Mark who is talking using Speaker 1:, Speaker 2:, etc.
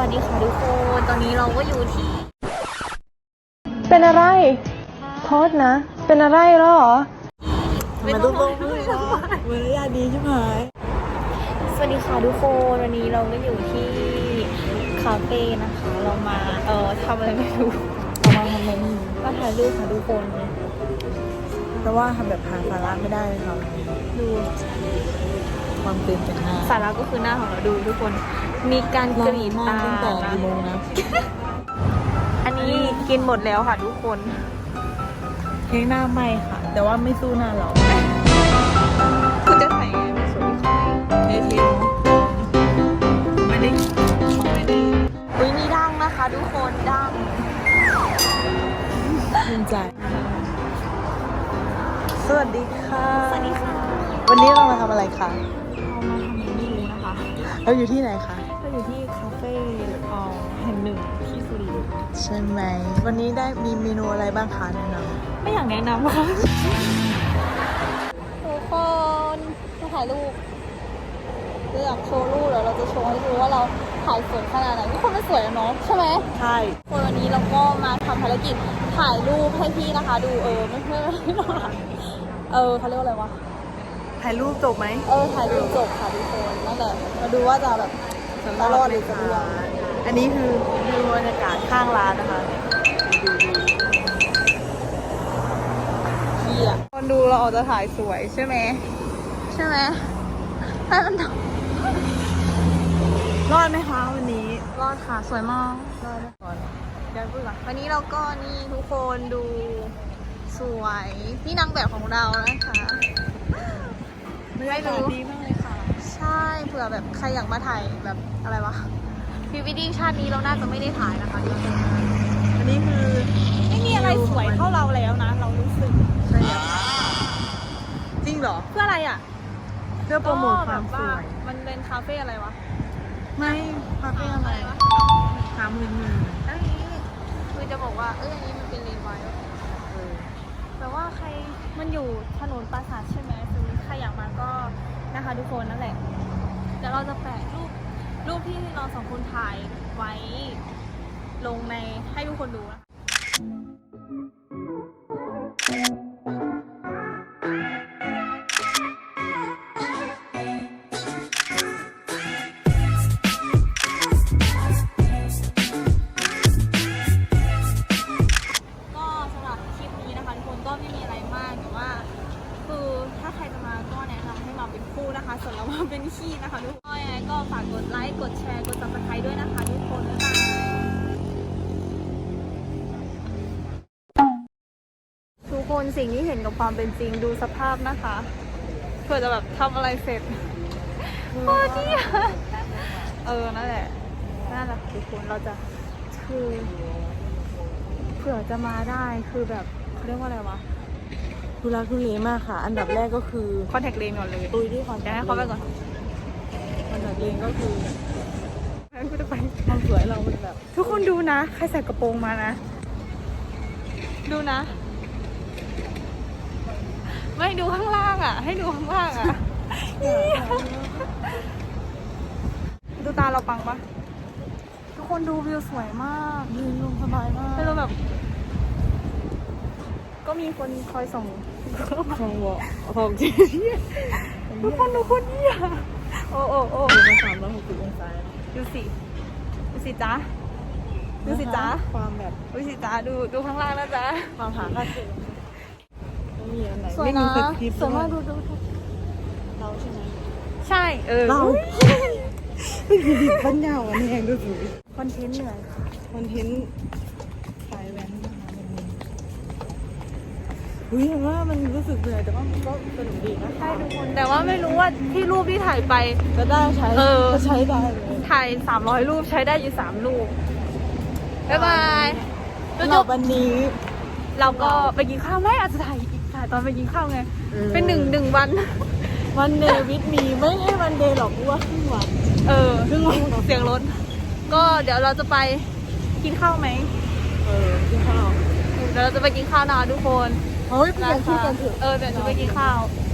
Speaker 1: วัสดีค่ะทุกคนตอนนี้เราก็อยู่ที่
Speaker 2: เป็นอะไรโทษนะ เป็นอะไรหรอ
Speaker 1: ไม่ต้องบอกด้วยนะ
Speaker 2: มารยาทดีใช่ไหม
Speaker 1: สวัสดีค่ะทุกคนวันนี้เราก็อยู่ที่คาเฟ่นะคะเรามาทำอะไรไม่รู้
Speaker 2: เรามาทำอะไรนี่
Speaker 1: มาถ่ายรูปค่ะทุกคน
Speaker 2: เพราะว่าทำแบบหาสาระไม่ได้เลยเรา
Speaker 1: ดู
Speaker 2: ความเต็มจากหน้า
Speaker 1: สาระก็คือหน้าของเราดูทุกคนมีการกรีดตา
Speaker 2: ตั้งแต่กี่โมงนะ
Speaker 1: อันนี้กินหมดแล้วค่ะทุกคน
Speaker 2: เค้กหน้าไหมค่ะ แต่ว่าไม่สู้หน้าเรา
Speaker 1: คุณจะถ่ายไงมันสวยค่ะ
Speaker 2: เทเนาะไม่ได้
Speaker 1: อุ้ยมีดังนะคะทุกคนดัง
Speaker 2: ภูมิใจสวัสดีค่ะ
Speaker 1: สวัสดีค่ะ
Speaker 2: วันนี้เรามาทำอะไรคะ
Speaker 1: เรามาทำอะไรไม่รู้นะคะ
Speaker 2: เราอยู่ที่ไหนคะ
Speaker 1: เราอยู่ที่คาเฟ่แห่งหนึ่งที่สุรินทร์
Speaker 2: ใช่ไหม วันนี้ได้มีเมนูอะไรบ้างคะแนะน
Speaker 1: ไม่อยากแนะนำค่ะทุกคนมาถ่ายรูปเราอยากโชว์รูปแล้วเราจะโชว์ให้ดูว่าเราถ่ายสวยขนาดไหนทุกคนมันสวยแล้วเนาะใช่ไหม
Speaker 2: ำใช่
Speaker 1: คนวันนี้เราก็มาทำภารกิจถ่ายรูปให้พี่นะคะดูไม่เขาเรียกว่าอะไรวะ
Speaker 2: ถ่ายรูปจบไหม
Speaker 1: ถ่ายรูปจบค่ะทุกคนนั่นแหละมาดูว่าจะแบบจะรอดหรือจะร่วง
Speaker 2: อันนี้คือวิวบรรยากาศข้างร้านนะคะ
Speaker 1: พี่อ่ะคนดูเราออกจะถ่ายสวยใช่ไหมใช่ไหมให้มัน
Speaker 2: รอดไหมคะวันนี้
Speaker 1: รอดค่ะสวยมาก
Speaker 2: รอดไหมก่อน
Speaker 1: เดี๋ยวพูดก่อนวันนี้เราก็นี่ทุกคนดูสวยพี่นางแบบของเรานะคะ
Speaker 2: ไม่รู้ดีมากเลยค่ะ
Speaker 1: ใช่เผื่อแบบใครอยากมาถ่ายแบบอะไรวะพรีวีดดิ้งชาตินี้เราน่าจะไม่ได้ถ่ายนะคะทุกคน
Speaker 2: อันนี้คือ
Speaker 1: ไม่มีอะไรสวยเท่าเราแล้วนะเรารู้สึก
Speaker 2: ใช่แล้วจริงเหรอ
Speaker 1: เพื่ออะไรอ่ะ
Speaker 2: เพื่อโปรโมทความสวย
Speaker 1: มันเป็นคาเฟ่อะไรวะ
Speaker 2: ไม่คาเฟ่อะไรหามือ
Speaker 1: แล้วทีนี้คือจะบอกว่าอันนี้มันเป็นเลนไวท์แต่ว่าใครมันอยู่ถนนปราสาทใช่ไหมคือใครอยากมาก็นะคะทุกคนนั่นแหละเดี๋ยวเราจะแปะรูปที่เราสองคนถ่ายไว้ลงในให้ทุกคนดูนะคะก็สำหรับคลิปนี้นะคะทุกคนก็ไม่มีอะไรมากแต่ว่าคือถ้าใครจะมาก็แนะนำให้มาเป็นคู่นะคะส่วนเรามาเป็นขี้นะคะทุกคนยังไงก็ฝากกดไลค์กดแชร์กด Subscribe ด้วยนะคะทุกคนบ๊ายบายทุกคนสิ่งที่เห็นกับความเป็นจริงดูสภาพนะคะเพื่อจะแบบทำอะไรเสร็จโอ้ดีอะนั่นแหละทุกคนเราจะคือเผื่อจะมาได้คือแบบเขาเรียกว่าอะไรวะ
Speaker 2: ทุลักทุเลมากค่ะ อันดับแรกก็คือ
Speaker 1: คอนแทคเลนส์ก่อนเลย
Speaker 2: ตุยที่คอน
Speaker 1: เดี๋ยวให้เขาไปก่อน
Speaker 2: คอนแทคเลนก็คือ
Speaker 1: งั้นกูจะไป
Speaker 2: ความสวยเรามันแบบ
Speaker 1: ทุกคนดูนะใครใส่กระโปรงมานะดูนะไม่ดูข้างล่างอ่ะให้ดูข้างล่างอ่ะดูตาเราปังปะทุกคนดูวิวสวยมาก
Speaker 2: ยืนลงสบายมาก
Speaker 1: แต่เราแบบ ก็มีคนคอยส่ง
Speaker 2: ของวอของจริง
Speaker 1: ทุกคนดูคนเหี้ยโอ้
Speaker 2: ดูมา360องศา
Speaker 1: ดูสิจ๊ะดูสิจ๊ะ
Speaker 2: ความแบบ
Speaker 1: ดูสิจ๊ะดูข้างล่างนะจ๊ะ
Speaker 2: ความหาค่าเฉลี่ยไม่มีอันไหน
Speaker 1: สวย
Speaker 2: ไม่
Speaker 1: นะ
Speaker 2: มีสคริปต์
Speaker 1: สวยมากดู
Speaker 2: เราใช่ไหม
Speaker 1: ใช่
Speaker 2: เรา
Speaker 1: อุ๊ย
Speaker 2: ปัญญาวันนี้เองดูสิ
Speaker 1: คอนเทนต์เหนื่อยค่ะ
Speaker 2: คอนเทนต์สายแว้นนะคะวันนี้อุ้ยเห็นว่ามันรู้สึกเหนื่อยแต่ว่ามันก็สนุกดีนะ
Speaker 1: ใช่ทุกคนแต่ว่าไม่รู้ว่าที่รูปที่ถ่ายไป
Speaker 2: ก็ได้ใช้ ก็ใช้ได้เลย
Speaker 1: ถ่าย300รูปใช้ได้อยู่3รูปบ๊ายบาย
Speaker 2: สำหรับวันนี้
Speaker 1: เราก็ไปกินข้าวไหมอาจจะถ่ายตอนไปกินข้าวไง เป็นหนึ่งวัน
Speaker 2: วันเดวิดมีไม่ให้วันเดย์หรอกว่าครึ่งวัน ครึ่งวัน
Speaker 1: เสียงรถก็เดี๋ยวเราจะไปกินข้าวไหม
Speaker 2: กินข้าว
Speaker 1: เดี๋ยวเราจะไปกินข้าวนะทุกคน
Speaker 2: เฮ้ยเปลี่ยนชื่อกันเถอะ
Speaker 1: เดี๋ยวจะไปกินข้าว